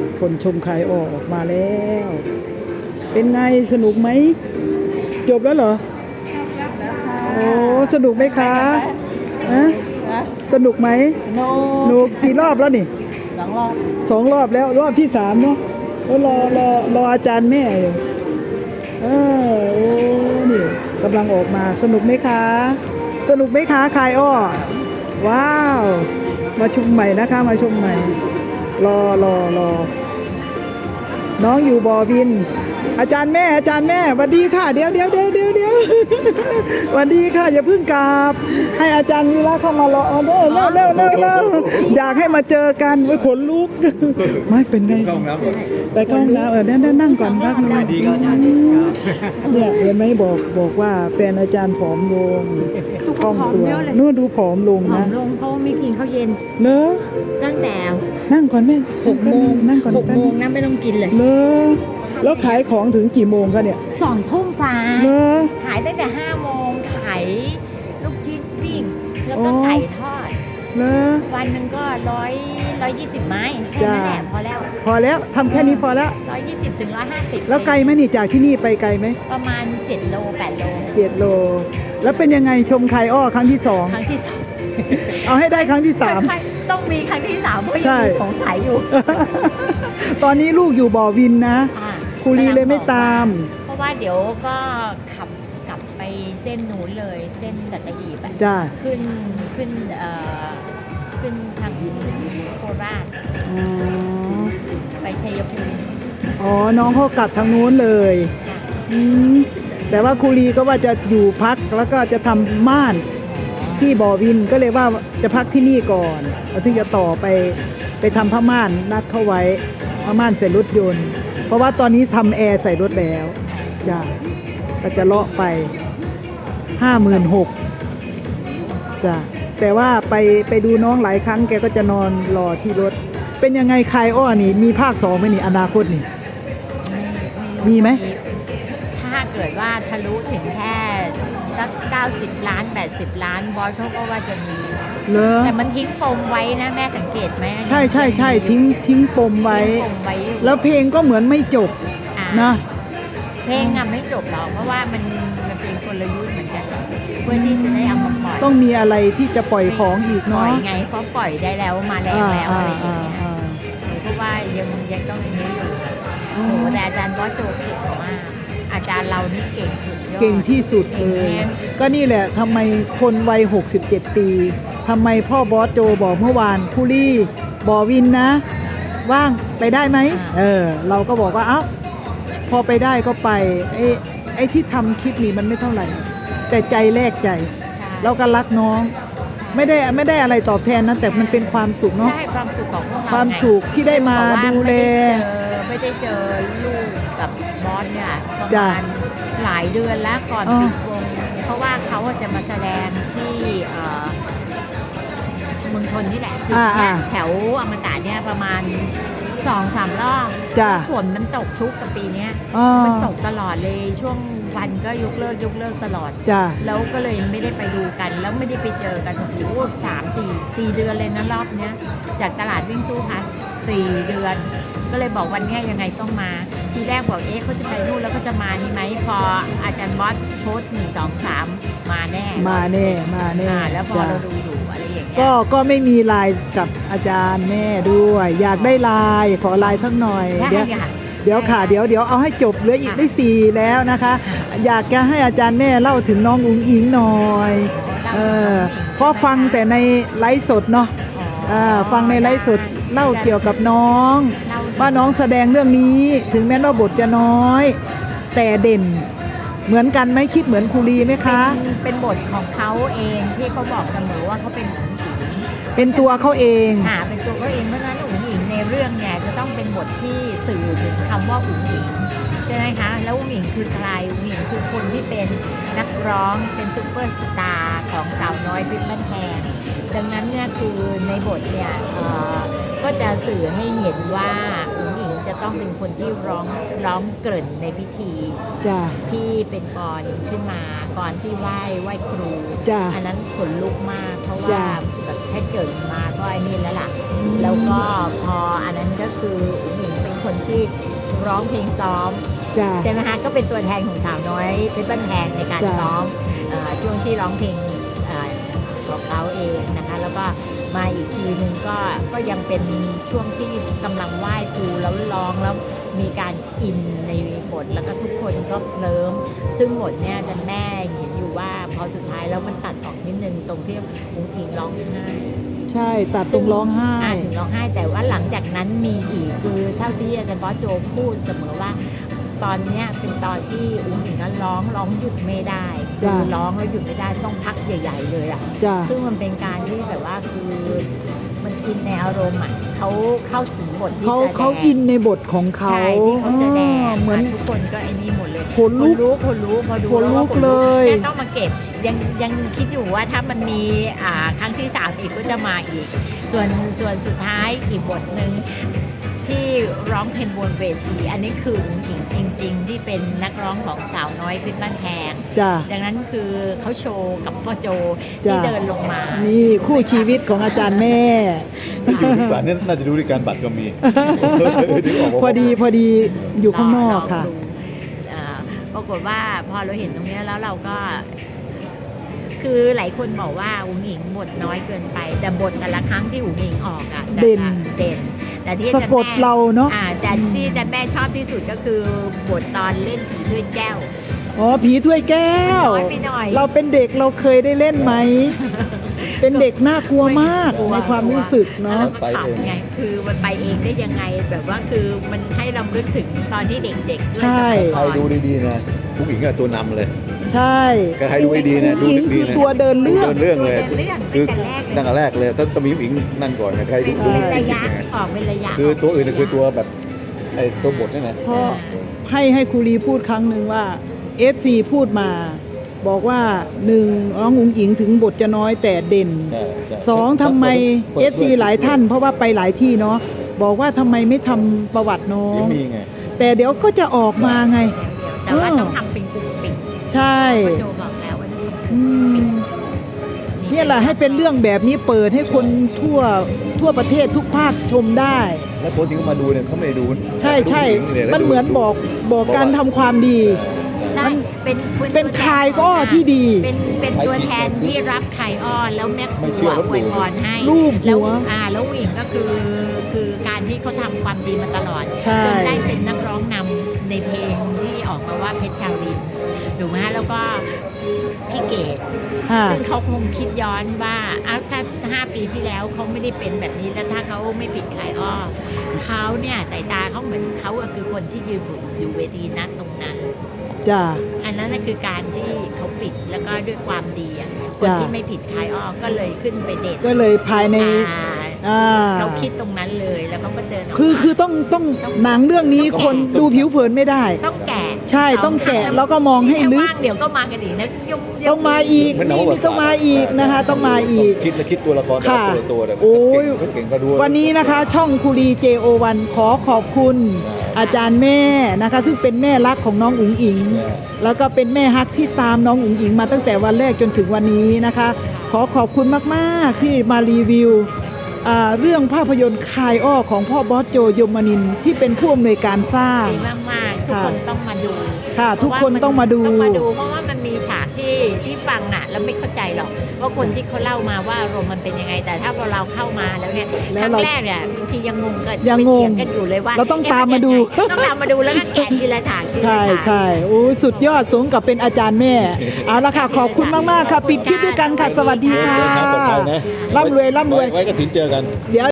คนชมคายอ้อออกมาแล้ว เป็นไงสนุกไหมจบแล้วเหรอโอ้สนุกไหมคะฮะสนุกไหมหนูกี่รอบแล้วนี่2 รอบแล้วรอบที่3เนาะรออาจารย์แม่อยู่โอ้นี่กำลังออกมาสนุกไหมคะสนุกไหมคะคายอ้อว้าวมาชมใหม่นะคะมาชมใหม่รอน้องอยู่บ่อวินอาจารย์แม่สวัสดีค่ะเดี๋ยวสวัสดีค่ะอย่าเพิ่งกลับให้อาจารย์วีระเข้ามารอเร็วอยากให้มาเจอกันไว้ขนลุกไม่เป็นไงไปเข้าห้องน้ำนั่งก่อนพักนึงเนี่ยเห็นไหมบอกว่าแฟนอาจารย์ผอมลงคล่องตัวนู่นดูผอมลงนะเพราะไม่กินข้าวเย็นเนอะตั้งแต่นั่งก่อนแม่ 6 โมงนั่งก่อน 6 โมงนะไม่ต้องกินเลยเนอะแล้วขายของถึงกี่โมงคะเนี่ย 2 ทุ่มฟ้าขายตั้งแต่5 โมงขายลูกชิ้นปิ้งแล้วก็ไก่ทอดวันหนึ่งก็120 ไม้แค่นั้นแหละพอแล้วทำแค่นี้พอแล้ว 120 ถึง 150 แล้วไกลไหมนี่จากที่นี่ไปไกลไหมประมาณ7 โล 8 โล 7 โลแล้วเป็นยังไงชมคายอ้อครั้งที่2เอาให้ได้ครั้งที่3 ต้องมีครั้งที่3เพราะยังสงสัยอยู่ตอนนี้ลูกอยู่บ่อวินนะครูลีเลยไม่ตามเพราะว่าเดี๋ยวก็ขับกลับไปเส้นนู้นเลยเส้นสัตหีบจ้าขึ้นทางโคราชไปชัยภูมิน้องเขากลับทางนู้นเลยแต่ว่าครูลีก็ว่าจะอยู่พักแล้วก็จะทำม่านที่บ่อวินก็เลยว่าจะพักที่นี่ก่อนแล้วถึงจะต่อไปทำผ้าม่านนัดเข้าไว้ผ้าม่านใส่รถยนต์เพราะว่าตอนนี้ทำแอร์ใส่รถแล้วจ้ะก็จะเลาะไป56,000จ้ะแต่ว่าไปดูน้องหลายครั้งแกก็จะนอนรอที่รถเป็นยังไงคายอ้อนี่มีภาค2ไหมนี่อนาคตนี่มีไหมถ้าเกิดว่าทะลุถึงแค่สัก90 ล้าน80 ล้านบอสเขาก็ว่าจะมีแต่มันทิ้งปมไว้นะแม่สังเกตไหมใช่ทิ้งปมไว้แล้วเพลงก็เหมือนไม่จบนะเพลงไม่จบหรอกเพราะว่ามันเป็นกลยุทธ์เหมือนกันเพื่อที่จะได้เอามาปล่อยต้องมีอะไรที่จะปล่อยของอีกเนาะปล่อยไงเพราะปล่อยได้แล้วมาแล้วอะไรอย่างเงี้ยเพราะว่ายังต้องอย่างนี้อยู่โอ้แต่อาจารย์บอสโจเก่งมากอาจารย์เรานี่เก่งสุดยอดเก่งที่สุดเลยก็นี่แหละทำไมคนวัย67 ปีทำไมพ่อบอสโจบอกเมื่อวานผู้รี่บ่อวินนะว่างไปได้ไหมเราก็บอกว่าเอ้าพอไปได้ก็ไปไอ้ที่ทำคลิปนี้มันไม่เท่าไหร่แต่ใจแลกใจเราก็รักน้องไม่ได้อะไรตอบแทนนะแต่มันเป็นความสุขเนาะใช่ความสุขของพวกเราความสุขที่ได้มาดูแลไม่ได้เจอลูกกับบอสเนี่ยประมาณหลายเดือนแล้วก่อนปิดวงเพราะว่าเขาจะมาแสดงที่เมืองชนนี่แหละจุดเนี้ยแถวอมตะเนี่ยประมาณ2-3 รอบฝนมันตกชุกกับปีนี้มันตกตลอดเลยช่วงวันก็ยกเลิกตลอดแล้วก็เลยไม่ได้ไปดูกันแล้วไม่ได้ไปเจอกันโอ้โห3-4 เดือนเลยนะรอบเนี้ยจากตลาดวิ่งสู้พัด4 เดือนก็เลยบอกวันนี้ยังไงต้องมาทีแรกบอกเขาจะไปนู่นแล้วก็จะมานี่ไหมพออาจารย์บอสโพสต์1 2 3มาแน่แล้วพอเราดูอยู่อะไรอย่างเงี้ยก็ไม่มีไลน์กับอาจารย์แม่ด้วยอยากได้ไลน์ขอไลน์สักหน่อยเดี๋ยวค่ะเดี๋ยวเอาให้จบเหลืออีกได้4แล้วนะคะอยากจะให้อาจารย์แม่เล่าถึงน้องอุ๋งอิงหน่อยเพราะฟังแต่ในไลฟ์สดเนาะฟังในไลฟ์สดเล่าเกี่ยวกับน้องว่าน้องแสดงเรื่องนี้ถึงแม้ว่าบทจะน้อยแต่เด่นเหมือนกันไหมคิดเหมือนครูลีไหมคะเป็นบทของเขาเองที่เขาบอกเสมอว่าเขาเป็นอุ๋งอิงเป็นตัวเขาเองเป็นตัวเขาเองเพราะฉะนั้นอุ๋งอิงในเรื่องเนี่ยจะต้องเป็นบทที่สื่อถึงคำว่าอุ๋งอิงใช่ไหมคะแล้วอุ๋งอิงคือใครอุ๋งอิงคือคนที่เป็นนักร้องเป็นซุปเปอร์สตาร์ของสาวน้อยเพชรบ้านแพงดังนั้นเนี่ยคือในบทเนี่ยก็จะสื่อให้เห็นว่าอุ๋งอิงจะต้องเป็นคนที่ร้องเกริ่นในพิธีที่เป็นกรขึ้นมาก่อนที่ไหว้ครูอันนั้นขนลุกมากเพราะว่าแบบแค่เกิดมาก็ไอ้นี่แล้วล่ะแล้วก็พออันนั้นก็คืออุ๋งอิงร้องเพลงซ้อมจ้ะใช่ไหมคะก็เป็นตัวแทนของสาวน้อยเพชรบ้านแพงในการจ้ะซ้อมช่วงที่ร้องเพลงของเขาเองนะคะแล้วก็มาอีกทีนึงก็ยังเป็นช่วงที่กำลังไหว้ครูแล้วร้องแล้วมีการอินในบทแล้วก็ทุกคนก็เคลิ้มซึ่งบทเนี่ยอาจารย์แม่เห็นอยู่ว่าพอสุดท้ายแล้วมันตัดออกนิดนึงตรงที่อุ้งอิงร้องไห้ใช่ตัดตรงร้องไห้ถึงร้องไห้แต่ว่าหลังจากนั้นมีอีกคือเท่าที่อาจารย์บอสโจพูดเสมอว่า ตอนเนี้ยเป็นตอนที่อุ้งอิงก็ร้องหยุดไม่ได้จ้ะคือร้องแล้วหยุดไม่ได้ต้องพักใหญ่ ๆ เลยอ่ะจ้ะซึ่งมันเป็นการที่แบบว่าคือมันอินในอารมณ์อ่ะเขาเข้าถึงบทที่เขาแสดงเขาอินในบทของเขาใช่ที่เขาแสดงเหมือนทุกคนก็ไอ้นี่หมดเลยขนลุกคนรู้พอดูขนลุกแวเลยแค่ต้องมาเก็บยังคิดอยู่ว่าถ้ามันมีครั้งที่3อีกก็จะมาอีก ส่วนสุดท้ายอีกบทหนึ่งที่ร้องเพลงบนเวทีอันนี้คืออุ้งอิงจริง ๆ ที่เป็นนักร้องของสาวน้อยเพชรบ้านแพงจ้ะดังนั้นคือเขาโชว์กับพ่อโจจ้ะที่เดินลงมานี่คู่ชีวิตของอาจารย์แม่อยู่ที่บ้านนี่น่าจะดูที่การบัตรก็มี นึกกว่าพอดีอยู่ข้างนอกค่ะลงดูปรากฏว่าพอเราเห็นตรงเนี้ยแล้วเราก็ คือหลายคนบอกว่าอุ๋งอิงบทน้อยเกินไป แต่บทแต่ละครั้งที่อุ๋งอิงออกอะแต่ละเด่นแต่ที่สะกดเราเนอะแต่ที่อาจารย์แม่ชอบที่สุดก็คือบทตอนเล่นผีด้วยแก้วอ๋อผีถ้วยแก้วน้อยไปหน่อยเราเป็นเด็กเราเคยได้เล่นไหม เป็นเด็กน่ากลัวมากในความรู้สึกแล้วเนาะเราก็ขำไงคือมันไปเองได้ยังไงแบบว่าคือมันให้เราลึกถึงตอนที่เด็กๆด้วยใช่สมัยใครก่อนดูดีๆนะผู้หญิงก็ตัวนำเลยใช่ใครดูดีๆนะดูหญิงดีคือๆนะตัวเดินเรื่องเดินเรื่องเลยเดินเรื่องคือตั้งแต่แรกเลยตั้งแต่แรกเลยต้องมีผู้หญิงนั่นก่อนนะใครดูเป็นดูระดียะๆนะออกเป็นระยะคือตัวอื่นน่ะคือตัวแบบไอ้ตัวบทนี่นะเพราะให้ครูลีพูดครั้งหนึ่งว่า FC พูดมา บอกว่าหนึ่งน้องอุ๋งอิงถึงบทจะน้อยแต่เด่นใช่ใช่สองทำไมเปิด FC หลายท่าน เพราะว่าไปหลายที่เนาะบอกว่าทำไมไม่ทำประวัติน้อยังงมีไงแต่เดี๋ยวก็จะออกมาไงแต่ว่าต้องทำเป็นกลุ่มปิดใช่พ่อโจบอกแล้วว่าต้องทำอืมเนี่ยแหละให้เป็นเรื่องแบบนี้เปิดให้คนทั่วประเทศทุกภาคชมได้แล้วคนที่เขามาดูเนี่ยเขาไม่ได้ดูใช่ดูผู้หญิงยมันเหมือนบอกการทำความดีใช่เป็นเป็นคายอ้อที่ดีเป็นตัวแทนที่รับคายอ้อแล้วแม่ครัวอวยพรให้รูปหัวแล้วแล้วหญิงก็คือการที่เขาทำความดีมาตลอดใช่จนได้เป็นนักร้องนำในเพลงที่ออกมาว่าเพชรชาวลินถูกไหมฮะแล้วก็พี่เกดค่ะซึ่งเขาคงคิดย้อนว่าถ้า5 ปีที่แล้วเขาไม่ได้เป็นแบบนี้แล้วถ้าเขาไม่ปิดคายอ้อเขาเนี่ยสายตาเขาเหมือนเขาก็คือคนที่ยืนอยู่เวทีนั้นตรงนั้นจ้ะอันนั้นน่ะคือการที่เขาปิดแล้วก็ด้วยความดีอ่ะคนจ้ะที่ไม่ผิดคายอ้อก็เลยขึ้นไปเด่นก็เลยภายใน อ่าเขาคิดตรงนั้นเลยแล้วเขาก็เดินออกมาคือต้องหนังเรื่องนี้คนดูผิวเผินไม่ได้ต้องแกะใช่ต้องแกะแล้วก็มองให้ลึกถ้าว่างเดี๋ยวก็มากันอีกนะยกต้องมาอีกนี่ต้องมาอีกนะคะ ต้องมาอีกคิดและคิดตัวละครแต่ละค่ะตัวเนี่ยโอ้ยเขาเก่งก็ดูวันนี้นะคะช่องคุรี JO1 ขอขอบคุณ อาจารย์แม่นะคะ ซึ่งเป็นแม่รักของน้องอุ๋งอิง แล้วก็เป็นแม่ฮักที่ตามน้องอุ๋งอิงมาตั้งแต่วันแรกจนถึงวันนี้นะคะ ขอขอบคุณมากๆที่มารีวิวเรื่องภาพยนตร์คายอ้อของพ่อบอสโจยมนินทร์ที่เป็นผู้อำนวยการสร้างดีมากๆทุกคนต้องมาดูค่ะทุกคนต้องมาดูต้องมาดูเพราะว่ามันมีฉากที่ฟังอ่ะแล้วไม่เข้าใจหรอกว่าคนที่เขาเล่ามาว่าอารมณ์มันเป็นยังไง แต่ถ้าพอเราเข้ามาแล้วเนี่ยแล้คว รั้งเราแรกเนี่ยบางทียังงงกันยังงงไปเถีกันอยู่เลยว่าเราต้องตามมาดูต้องตามมาดูแล้วก็แกะทีละฉากทีละใช่ฉากใช่โอ้สุดยอดสมกับเป็นอาจารย์แม่ เอาละค่ะ ขอบคุณมาก ๆ ค่ะ ปิดคลิปด้วยกันค่ะ สวัสดีค่ะเดินทางปลอดภัยนะร่ำรวยไว้กระถินเจอกันเดี๋ยว